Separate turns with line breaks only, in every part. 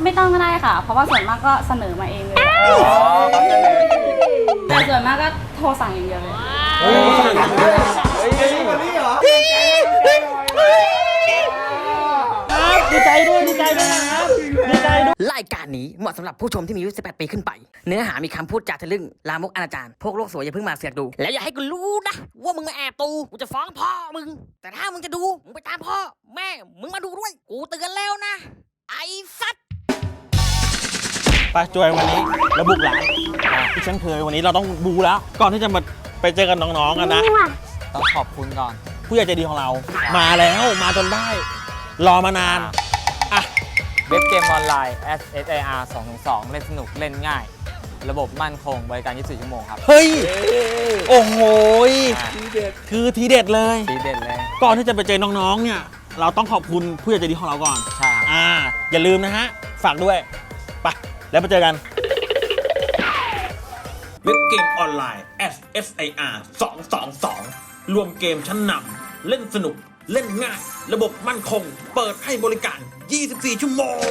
ไม่ต้องก็ได้ค่ะ เพราะว่าส่วนมากก็เสนอมาเองเลยแต่ส่วนมากก็โทรสั่งอย่างเดียวเลย
ดีใจด้วยนะครับดีใจด้วย
รายการนี้เหมาะสำหรับผู้ชมที่มีอายุ 18 ปีขึ้นไป เนื้อหามีคำพูดจาทะลึ่งลามกอนาจารพวกโลกสวยอย่าเพิ่งมาเสือกดู แล้วอย่าให้กูรู้นะว่ามึงมาแอบดูกูจะฟ้องพ่อมึง แต่ถ้ามึงจะดูมึงไปตามพ่อแม่มึงมาดูด้วยกูเตือนแล้วนะไอ้สัตว์
ไปจวยวันนี้เราบุกหลังที่ฉันเคยวันนี้เราต้องบูแล้ว ก่อนที่จะมาไปเจอกันน้องๆกันนะ
ต้องขอบคุณก่อน
ผู้ใหญ่ใจดีของเรา มาแล้วมาจนได้ รอมานานอ่ะ
เว็บเกมออนไลน์ SSAR 222 เล่นสนุกเล่นง่าย ระบบมั่นคงบริการ 24 ชั่วโมงครับ
เฮ้ยโอ้โหคือทีเด็ดเลย
ดีเด่นเลย
ก่อนที่จะไปเจอน้องๆเนี่ยเราต้องขอบคุณผู้ใหญ่ใจดีของเราก่อน
ใช่ครับ
อย่าลืมนะฮะฝากด้วยไปแล้วไปเจอกันเว็บเกมออนไลน์ SSIR 222 รวมเกมชั้นนำเล่นสนุกเล่นง่าย ระบบมั่นคง เปิดให้บริการ 24 ชั่วโมง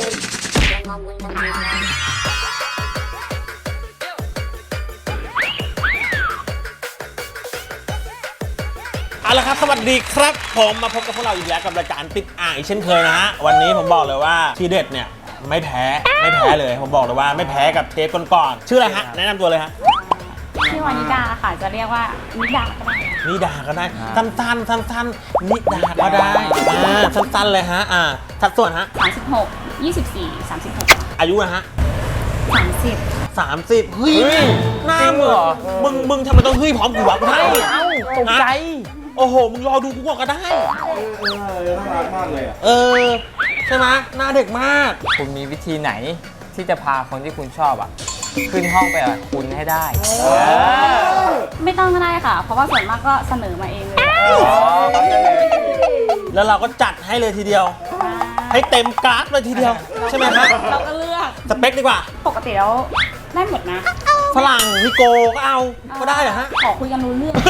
เอาละครับสวัสดีครับผมมาพบกับพวกเราอีกแล้วกับรายการติดอ่างอีกเช่นเคยนะฮะวันนี้ผมบอกเลยว่าทีเด็ดเนี่ยไม่แพ้เลยผมบอกเลยว่าไม่แพ้กับเทปก่อนๆชื่ออะไรฮะแนะนำตัวเลยฮะ
ชื่อวานิดาค่ะจะเรียกว่านิดาก็ได้
นิดาก็ได้สั้นๆนิดาก็ได้สั้นๆเลยฮะสัดส่วนฮะ
36 24 36
อายุนะฮะ
30
30เฮ้ยหน้ามึงทำไมต้องเฮ้ยพร้อมกูวะกูให้ตกใจโอ้โหมึงรอดูกูก่อนก็ได้น่ารักมากเลยใช่ไหมหน้าเด็กมาก
คุณมีวิธีไหนที่จะพาคนที่คุณชอบขึ้นห้องไปกับคุณให้ได้
ไม่ต้องก็ได้ค่ะ เพราะว่าส่วนมากก็เสนอมาเองเลย
แล้วเราก็จัดให้เลยทีเดียว ให้เต็มกราฟเลยทีเดียวใช่ไหมฮะ
เราก็เลือก
สเปคดีกว่า
ปกติแล้วได้หมดนะ
ฝรั่งนิโกก็เอาก็ได้เหรอฮะ
ขอคุยกันรู้เรื่อง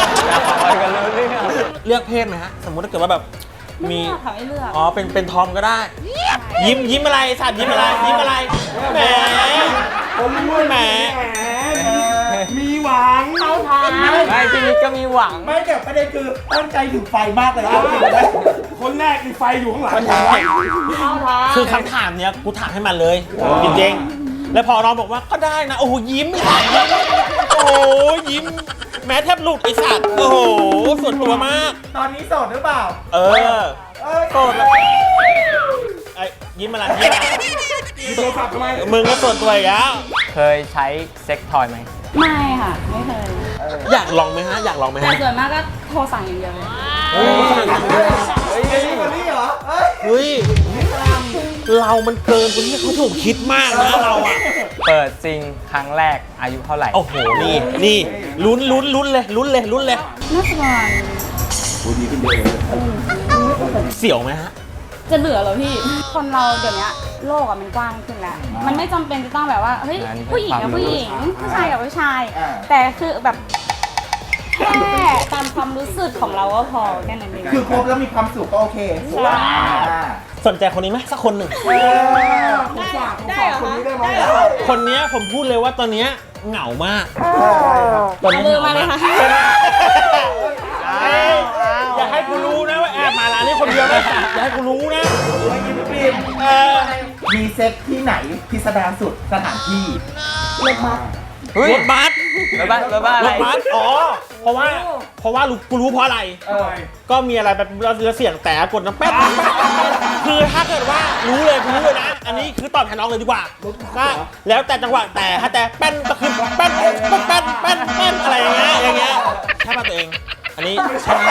เลือกเพศไหมฮะสมมุติถ้าเกิดว่าแบบ
ไม่
มี
เลือกค่ะไม่เลือก
อ๋อเป็นทอมก็ได้ ยิ้มอะไรสัตว์ยิ้มอะไรแหมแหม
มีหวัง
เข้าทาง
ไม่พี่นิดก็มีหวัง
ไม่แต่ประเด็นคือตั้งใจถึงไฟมากเลยนะคนแรกมีไฟอยู่ข้างหลัง
เข้าทาง
คือคำถามเนี้ยกูถามให้มันเลยจริงๆแล้วพอน้องบอกว่าก็ได้นะโอ้โหยิ้มโอ้โหยิ้มแม้แทบหลุดไอ้สัตว์โอ้โหส่วนตัวมาก
ตอนนี้โสดหรือเปล่า
โสดแล้วไอ้ยิ้มอะไรยิ้มอะไร
มีโทรศัพท์ทำไม
มึงก็ส่วนตัวอีกแล้ว
เคยใช้เซ็กทอยไหม
ไม่ค่ะ ไม่เคย
อยากลองไหมฮะอยากลองไหม
แต่
ฮะ
ส่วนมากก็โทรสั่งอย่างเดียวเลย
คนนี้เหรอ
เฮ้ยเรามันเกินกว่าที่เขาถูกคิดมากนะเราอ่ะ
เปิดจริงครั้งแรกอายุเท่าไหร่
โอ้โหนี่ลุ้นเลย
น่าจะประมาณ
เสี่ยวไหมฮะ
จะเหลือเหรอพี่ คนเราเดี๋ยวนี้โลกอะมันกว้างขึ้นแล้ว มันไม่จำเป็นจะต้องแบบว่า เฮ้ย ผู้หญิงกับผู้หญิง ผู้ชายกับผู้ชาย แต่คือแบบแค่ตามความรู้สึกของเราก็พอแค่นั้นเอง
คือครบแล้วมีความสุขก็โอเค
สนใจคนนี้ไหมสักคนหนึ่ง
ได้เหรอ
คน
คะ
นี้ได้ไหม
คนเนี้ยผมพูดเลยว่าตอนเนี้ยเหงามากตอนนี้
เบอร์มาเลยค่ะ
อย่าให้กูรู้นะว่าแอบมาร้านนี้คนเดียวนะอย่าให้กูรู้นะ
มีเซ็กที่ไหนพิสดารสุดสถานที่
เฮ้ย
รถบัส
รถบ้านอะไร
รถบัสอ๋อเพราะว่ากูรู้เพราะอะไร ก็มีอะไรแบบเราเสียงแต่กดน้ำแป๊บคือถ้าเกิดว่ารู้เลยนะ อันนี้คือตอบแทนน้องเลยดีกว่าก็แล้วแต่จังหวะแต่ถ้าแต่แป้นก็คือแป้นอะไรอย่างเงี้ยใช่ป่ะตัวเอง อันนี้ใช่ไหม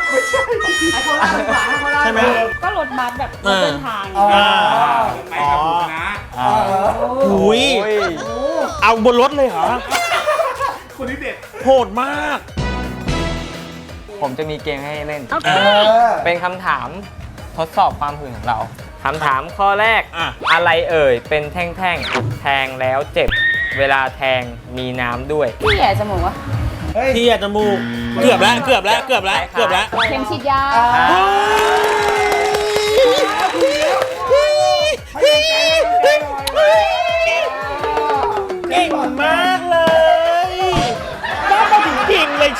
ใช่ไหม
ก็รถบัสแบบรถเดินทาง
ไปกับคุณนะ
อุ้ยเอาบนรถเลยเหรอ
คนนี้เด็ด
โหดมาก
ผมจะมีเกมให้เล่น เป็นคำถามทดสอบความหื่นของเรา คำถามข้อแรก อะไรเอ่ย เป็นแท่งๆ แทงแล้วเจ็บ เวลาแทงมีน้ำด้วย
พี่แย่จมูกวะ
ที่จมูกเกือบแล้ว
เข็มฉีดยา
เ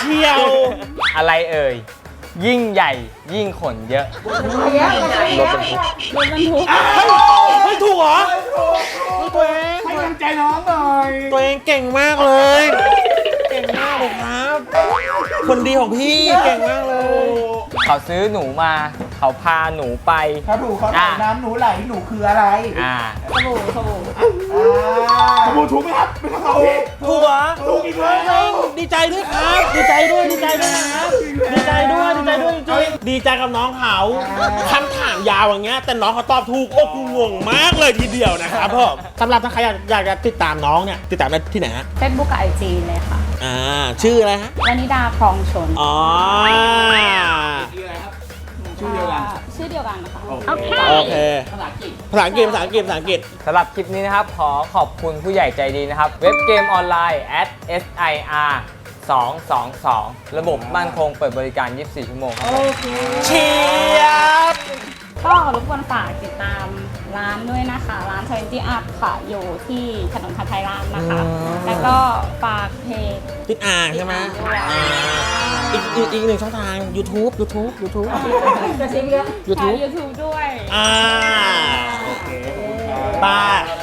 ชียว
อะไรเอ่ย ยิ่งใหญ่ยิ่งขนเยอะ
รถบรรทุก
เฮ้ยถูกเหรอตัวเอง
ให้กำลังใจน้องหน่อย
ตัวเองเก่งมากเลย เก่งมากเลยครับ คนดีของพี่เก่งมากเลย
เขาซื้อหนูมา เขาพาหนูไป
ถ้าถูกเขาไหลน้ำหนูไหลหนูคืออะไร
สบู่
สบู่ถูกไหมครับเป็นคำตอบผิด
ถูกเหรอ
ถูกอีกแล้ว
ดีใจด้วยครับ ดีใจด้วยนะครับ ดีใจด้วยจริงๆดีใจกับน้องเขาคำถามยาวอย่างเงี้ยแต่น้องเขาตอบถูกโอ้กูงงมากเลยทีเดียวนะครับผมสำหรับถ้าใครอยากจะติดตามน้องเนี่ยติดตามได้ที่ไหนฮะ
เฟซบุ๊กกับไอจีเลยค่ะ
ชื่ออะไรฮะ
วนิดาครองชน
อ๋อ
ชื่อเดียวกัน
ชื่อเดียวกันนะคะ
โอเคภาษาอังกฤษภาษาอังกฤษ
สำหรับคลิปนี้นะครับ ขอขอบคุณผู้ใหญ่ใจดีนะครับ เว็บเกมออนไลน์ @SIR 222 ระบบมั่นคงเปิดบริการ 24 ชั่วโมงครับ
เชียบ
ก็รบกวนฝากติดตามร้านด้วยนะคะ ร้าน20 Up ค่ะ อยู่ที่ถนนพัทยามนะคะ แล้วก็ฝากเพจ
ติดอ่างใช่ไหม อีกหนึ่งช่องทาง YouTube
กระชิบเยอะ
YouTube
ยูทูบด้วย
โอเค
โอเค
บาย